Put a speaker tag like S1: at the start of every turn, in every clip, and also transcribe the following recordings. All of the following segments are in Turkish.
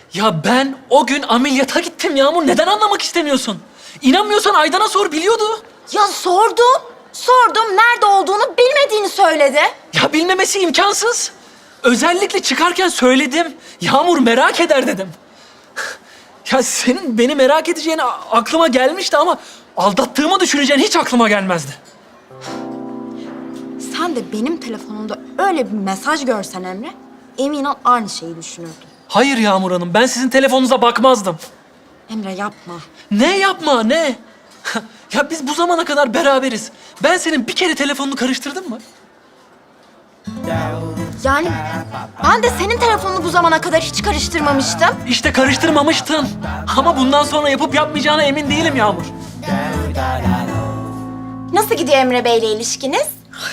S1: Ya ben o gün ameliyata gittim Yağmur. Neden anlamak istemiyorsun? İnanmıyorsan Aydan'a sor, biliyordu.
S2: Ya sordum. Sordum. Nerede olduğunu bilmediğini söyledi.
S1: Ya bilmemesi imkansız. Özellikle çıkarken söyledim. Yağmur merak eder dedim. Ya senin beni merak edeceğini aklıma gelmişti ama aldattığımı düşüneceğin hiç aklıma gelmezdi.
S2: Sen de benim telefonumda öyle bir mesaj görsen Emre, emin ol aynı şeyi düşünürdün.
S1: Hayır Yağmur Hanım, ben sizin telefonunuza bakmazdım.
S2: Emre yapma.
S1: Ne yapma, ne? Ya biz bu zamana kadar beraberiz. Ben senin bir kere telefonunu karıştırdım mı?
S2: Yani ben de senin telefonunu bu zamana kadar hiç karıştırmamıştım.
S1: İşte karıştırmamıştın. Ama bundan sonra yapıp yapmayacağına emin değilim Yağmur.
S2: Nasıl gidiyor Emre Bey'le ilişkiniz?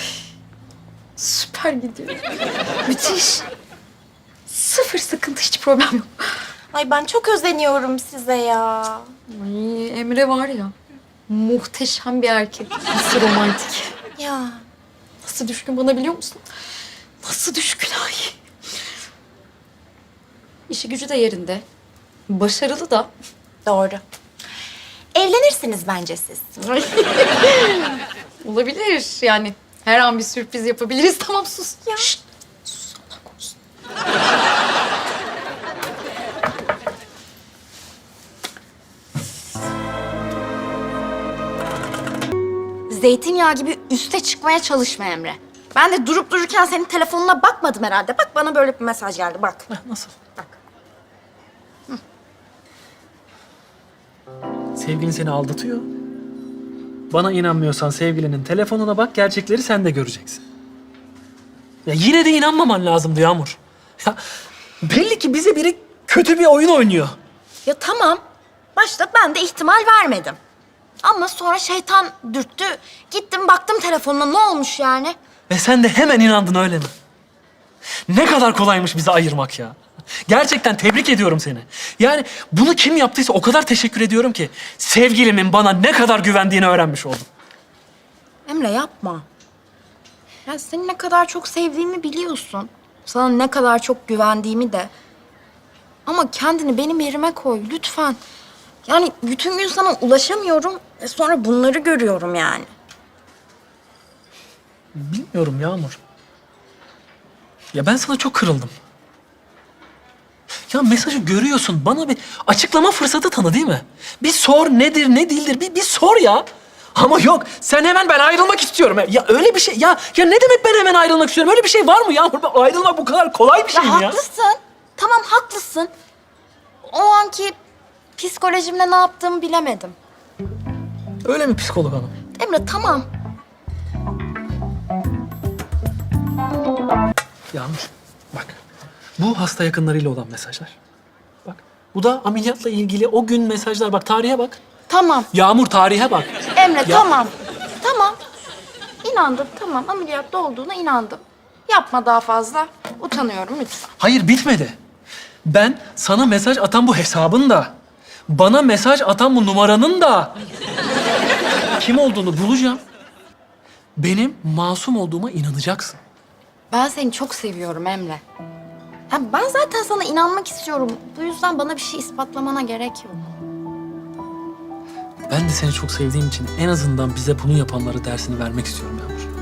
S3: Süper gidiyor. Müthiş. Sıfır sıkıntı, hiç problem yok.
S2: Ay ben çok özeniyorum size ya.
S3: Ay, Emre var ya, muhteşem bir erkek. Nasıl romantik.
S2: Ya
S3: Nasıl düşkün bana, biliyor musun? Nasıl düşkün ay. İşi gücü de yerinde. Başarılı da.
S2: doğru. Evlenirsiniz bence siz.
S3: Olabilir yani. Her an bir sürpriz yapabiliriz. Tamam sus. Ya. Şşt. Sus, Allah korusun.
S2: Zeytinyağı gibi üste çıkmaya çalışma Emre. Ben de durup dururken senin telefonuna bakmadım herhalde. Bak bana böyle bir mesaj geldi bak.
S1: Heh, nasıl?
S2: Bak.
S1: Sevgilin seni aldatıyor. Bana inanmıyorsan sevgilinin telefonuna bak, gerçekleri sen de göreceksin. Ya yine de inanmaman lazımdı Yağmur. Ya belli ki bize biri kötü bir oyun oynuyor.
S2: Ya tamam. Başta ben de ihtimal vermedim. Ama sonra şeytan dürttü. Gittim baktım telefonuna, ne olmuş yani?
S1: Ve sen de hemen inandın, öyle mi? Ne kadar kolaymış bizi ayırmak ya. Gerçekten tebrik ediyorum seni. Yani bunu kim yaptıysa o kadar teşekkür ediyorum ki sevgilimin bana ne kadar güvendiğini öğrenmiş oldum.
S2: Emre yapma. Ya seni ne kadar çok sevdiğimi biliyorsun. Sana ne kadar çok güvendiğimi de. Ama kendini benim yerime koy lütfen. Yani bütün gün sana ulaşamıyorum ve sonra bunları görüyorum yani.
S1: Bilmiyorum Yağmur. Ya ben sana çok kırıldım. Ya mesajı görüyorsun, bana bir açıklama fırsatı tanı, değil mi? Bir sor, nedir, ne değildir, bir sor ya. Ama yok, sen hemen ben ayrılmak istiyorum. Ya öyle bir şey, ya ne demek ben hemen ayrılmak istiyorum? Öyle bir şey var mı Yağmur? Ayrılmak bu kadar kolay bir şey mi ya?
S2: Haklısın. Tamam haklısın. O anki psikolojimle ne yaptığımı bilemedim.
S1: Öyle mi psikolog hanım?
S2: Emre tamam.
S1: Yağmur, bak. Bu hasta yakınlarıyla olan mesajlar. Bak, bu da ameliyatla ilgili o gün mesajlar. Bak, tarihe bak.
S2: Tamam.
S1: Yağmur, tarihe bak.
S2: Emre
S1: Ya-
S2: tamam. Tamam. İnandım tamam. Ameliyatta olduğuna inandım. Yapma daha fazla. Utanıyorum lütfen.
S1: Hayır, bitmedi. Ben sana mesaj atan bu hesabın da, bana mesaj atan bu numaranın da kim olduğunu bulacağım. Benim masum olduğuma inanacaksın.
S2: Ben seni çok seviyorum Emre. Ya ben zaten sana inanmak istiyorum. Bu yüzden bana bir şey ispatlamana gerek yok.
S1: Ben de seni çok sevdiğim için en azından bize bunu yapanlara dersini vermek istiyorum Yağmur.